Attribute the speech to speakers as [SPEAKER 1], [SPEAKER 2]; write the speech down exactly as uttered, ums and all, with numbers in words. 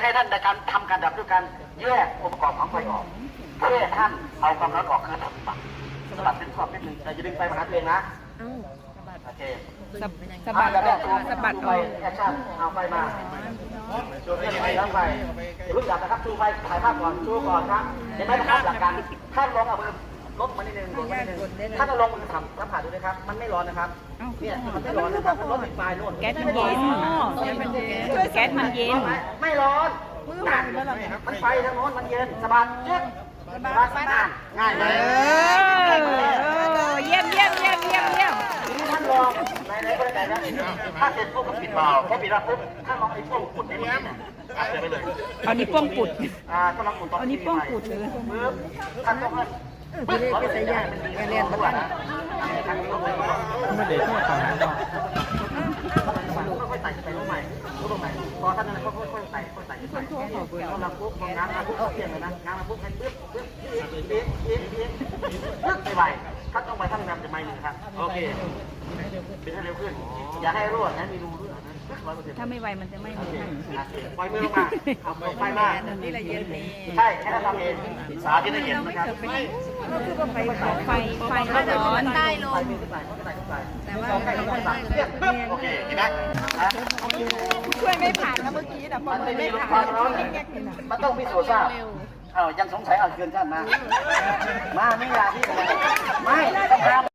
[SPEAKER 1] ให้ท่านในการทำการดับด้วยการแยกองค์ประกอบของไฟออกเพื่อท่านเอาความร้อนออกคือสบัดสบัดเป็นขอบนิดนึงแต่อย่าดึงไฟมาหาตัวเองนะโอเค
[SPEAKER 2] สะสะบัดออกสะบัดออก
[SPEAKER 1] แอคชั่นเอาไฟมาชูไฟแล้วไฟรู้จักนะครับชูไฟถ่ายภาพก่อนชูก่อนครับเห็นไหมนะครับหลักการท่านลองเอามือลดมานิดนึงลดมานิดนึงท่านเอาลงมือทำสัมผัสดูนะครับมันไม่ร้อนนะครับเนี่ยมันไม่ร้อนนะครับมันร้อนติดไฟนู่น
[SPEAKER 2] แก๊สมันเย็นช่วยแก๊สมันเย็น
[SPEAKER 1] ไม่ร้อนมันไฟทางโน้นมันเย็นสบายเย็นสบายสบายง่ายเลย
[SPEAKER 2] เยี่ยมเยี่ยมเยี่ยมเยี่ยมเยี่ยม
[SPEAKER 1] ท่านลองในในบริการนะถ้าเสร็จปุ๊บปิดเบาพอปิดแล้วปุ๊บท่านลองไอ้พวกขุดนี่มันอัดไปเลย
[SPEAKER 2] เอานี้ป้องปุด
[SPEAKER 1] อ่าต้องลองขุดต่อเอา
[SPEAKER 2] นี้ป้องปุดเลย
[SPEAKER 1] ปึ๊บท่านต้องให้ปึ๊บเราจะย่างมันเรียนมาแล้วไม่เด็ดไม่ต่างกันค่อยๆใส่ไปลงใหม่ลงใหม่พอท่านนั้นก็ค่อยๆใส่ค่อยๆใส่ใส่พอเราปุ๊บพอน้ำมาปุ๊บเพียงเลยนะน้ำมาปุ๊บให้ปึ๊บปึ๊บเอ๊ะเอ๊ะเอ๊ะปึ๊บไปไปท่านต้องไปท่านนำจะไม่หนึ่งครับโอเคเป็นให้เร็วขึ้นอย่าให้รั่วนะมีรูรั่วนะ
[SPEAKER 2] ถ้าไม่ไวมันจะไม่มี
[SPEAKER 1] ปล่อยมือลงมาเอาไฟมา
[SPEAKER 2] นี่ละเย็นนี่
[SPEAKER 1] ใช่แค่ทำเองสาธิตให้เห็นนะครับ
[SPEAKER 2] ไฟไฟไฟร้อนได้ลง
[SPEAKER 1] แต่ว่าโอเคเห็นไหม
[SPEAKER 2] ช่วยไม่ผ่านนะเมื่อกี้แต่
[SPEAKER 1] มันไม่มีความร้อนมันต้องพิสูจน์ทราบอ้าวยังสงสัยเอาคืนท่านมามาไม่ยาที่ไม่ต้องทำ